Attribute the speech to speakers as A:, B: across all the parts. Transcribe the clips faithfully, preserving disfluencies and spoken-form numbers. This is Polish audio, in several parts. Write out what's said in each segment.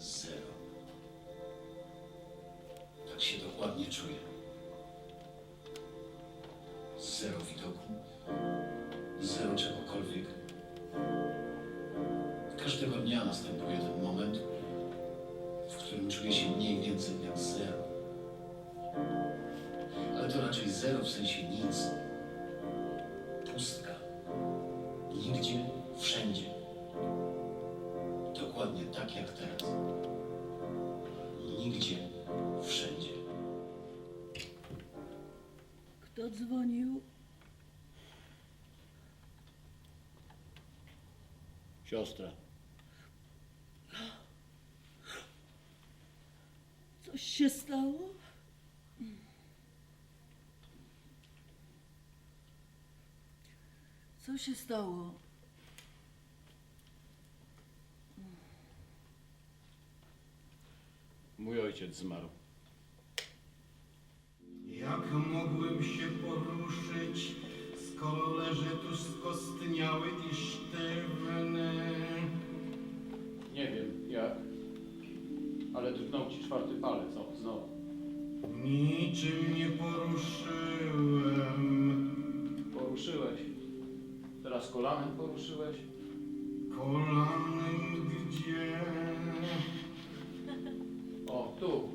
A: Zero. Tak się dokładnie czuję. Zero widoku, zero czegokolwiek. Każdego dnia następuje ten moment, w którym czuję się mniej więcej jak zero. Ale to raczej zero w sensie nic. Pustka. Nigdzie, wszędzie. Dokładnie tak jak teraz. Nigdzie, wszędzie.
B: Kto dzwonił?
A: Siostra.
B: Coś się stało? Co się stało?
A: Mój ojciec zmarł.
C: Jak mogłem się poruszyć, skoro leżę tu skostniały i sztywny?
D: Nie wiem jak, ale drgnął ci czwarty palec, o, znowu.
C: Niczym nie poruszyłem.
D: Poruszyłeś. Teraz kolanem poruszyłeś.
C: Kolanem gdzie?
D: O, tu.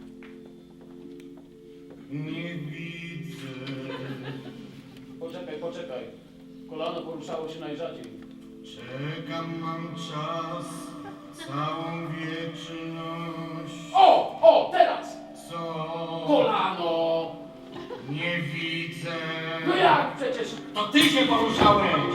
C: Nie widzę.
D: Poczekaj, poczekaj. Kolano poruszało się najrzadziej.
C: Czekam, mam czas, całą wieczność.
D: O, o, teraz!
C: Co?
D: Kolano!
C: Nie widzę.
D: No jak przecież?
C: To ty się poruszałeś!